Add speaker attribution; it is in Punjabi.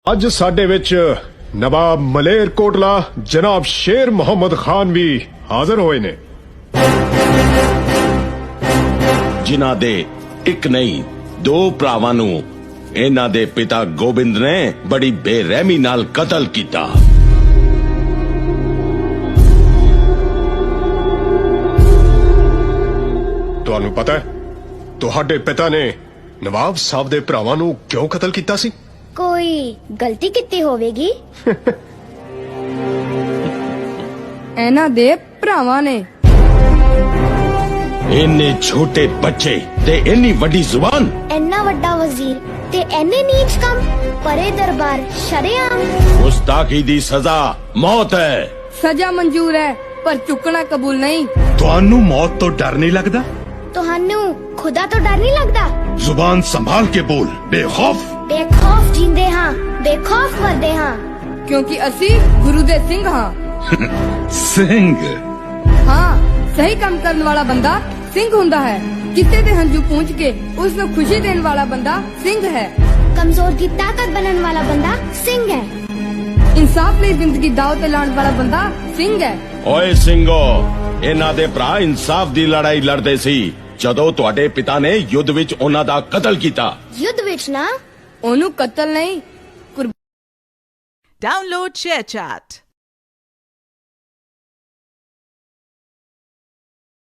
Speaker 1: ਅੱਜ ਸਾਡੇ ਵਿੱਚ ਨਵਾਬ ਮਲੇਰਕੋਟਲਾ ਜਨਾਬ ਸ਼ੇਰ ਮੁਹੰਮਦ ਖਾਨ ਵੀ ਹਾਜ਼ਰ ਹੋਏ ਨੇ,
Speaker 2: ਜਿਨ੍ਹਾਂ ਦੇ ਇੱਕ ਨਹੀਂ ਦੋ ਭਰਾਵਾਂ ਨੂੰ ਇਹਨਾਂ ਦੇ ਪਿਤਾ ਗੋਬਿੰਦ ਨੇ ਬੜੀ ਬੇਰਹਿਮੀ ਨਾਲ ਕਤਲ ਕੀਤਾ।
Speaker 1: ਤੁਹਾਨੂੰ ਪਤਾ ਹੈ ਤੁਹਾਡੇ ਪਿਤਾ ਨੇ ਨਵਾਬ ਸਾਹਿਬ ਦੇ ਭਰਾਵਾਂ ਨੂੰ ਕਿਉਂ ਕਤਲ ਕੀਤਾ ਸੀ?
Speaker 3: ਕੋਈ ਗਲਤੀ ਕੀਤੀ ਹੋਵੇਗੀ।
Speaker 4: ਇਹਨਾਂ ਦੇ ਭਰਾਵਾਂ ਨੇ
Speaker 2: ਇੰਨੇ ਛੋਟੇ ਬੱਚੇ ਤੇ ਇੰਨੀ ਵੱਡੀ ਜ਼ੁਬਾਨ,
Speaker 3: ਇੰਨਾ ਵੱਡਾ ਵਜ਼ੀਰ ਤੇ ਇੰਨੇ ਨੀਚ ਕੰਮ, ਪਰੇ ਦਰਬਾਰ ਸ਼ਰੇਆਮ।
Speaker 2: ਗੁਸਤਾਖੀ ਦੀ ਸਜ਼ਾ ਮੌਤ ਹੈ।
Speaker 4: ਸਜ਼ਾ ਮਨਜ਼ੂਰ ਹੈ ਪਰ ਚੁੱਕਣਾ ਕਬੂਲ ਨਹੀਂ।
Speaker 5: ਤੁਹਾਨੂੰ ਮੌਤ ਤੋਂ ਡਰ ਨਹੀਂ ਲੱਗਦਾ?
Speaker 3: ਤੁਹਾਨੂੰ ਖੁਦਾ ਤੋਂ ਡਰ ਨਹੀਂ ਲੱਗਦਾ?
Speaker 5: ਜ਼ੁਬਾਨ ਸੰਭਾਲ ਕੇ ਬੋਲ, ਬੇਖੌਫ।
Speaker 3: ਬੇਖੌਫ ਜੀਂਦੇ ਹਾਂ, ਬੇਖੌਫ ਮਰਦੇ ਹਾਂ,
Speaker 4: ਕਿਉਂਕਿ ਅਸੀਂ ਗੁਰੂ ਦੇ ਸਿੰਘ ਹਾਂ।
Speaker 5: ਸਿੰਘ
Speaker 4: ਹਾਂ, ਸਹੀ ਕੰਮ ਕਰਨ ਵਾਲਾ ਬੰਦਾ ਸਿੰਘ ਹੁੰਦਾ ਹੈ। ਕਿਸੇ ਦੇ ਹੰਝੂ ਪੂੰਝ ਕੇ ਉਸ ਨੂੰ ਖੁਸ਼ੀ ਦੇਣ ਵਾਲਾ ਬੰਦਾ ਸਿੰਘ ਹੈ।
Speaker 3: ਕਮਜ਼ੋਰ ਦੀ ਤਾਕਤ ਬਣਨ ਵਾਲਾ ਬੰਦਾ ਸਿੰਘ ਹੈ।
Speaker 4: ਇਨਸਾਫ ਲਈ ਜ਼ਿੰਦਗੀ ਦਾਅ ਤੇ ਲਾਉਣ ਵਾਲਾ ਬੰਦਾ ਸਿੰਘ ਹੈ।
Speaker 2: ਓਏ ਸਿੰਘੋ, ਇਹਨਾਂ ਦੇ ਭਰਾ ਇਨਸਾਫ ਦੀ ਲੜਾਈ ਲੜਦੇ ਸੀ ਜਦੋਂ ਤੁਹਾਡੇ ਪਿਤਾ ਨੇ ਯੁੱਧ ਵਿੱਚ ਉਹਨਾਂ ਦਾ ਕਤਲ ਕੀਤਾ।
Speaker 3: ਯੁੱਧ ਵਿੱਚ ਨਾ,
Speaker 4: ਉਹਨੂੰ ਕਤਲ ਨਹੀਂ
Speaker 6: Download ShareChat.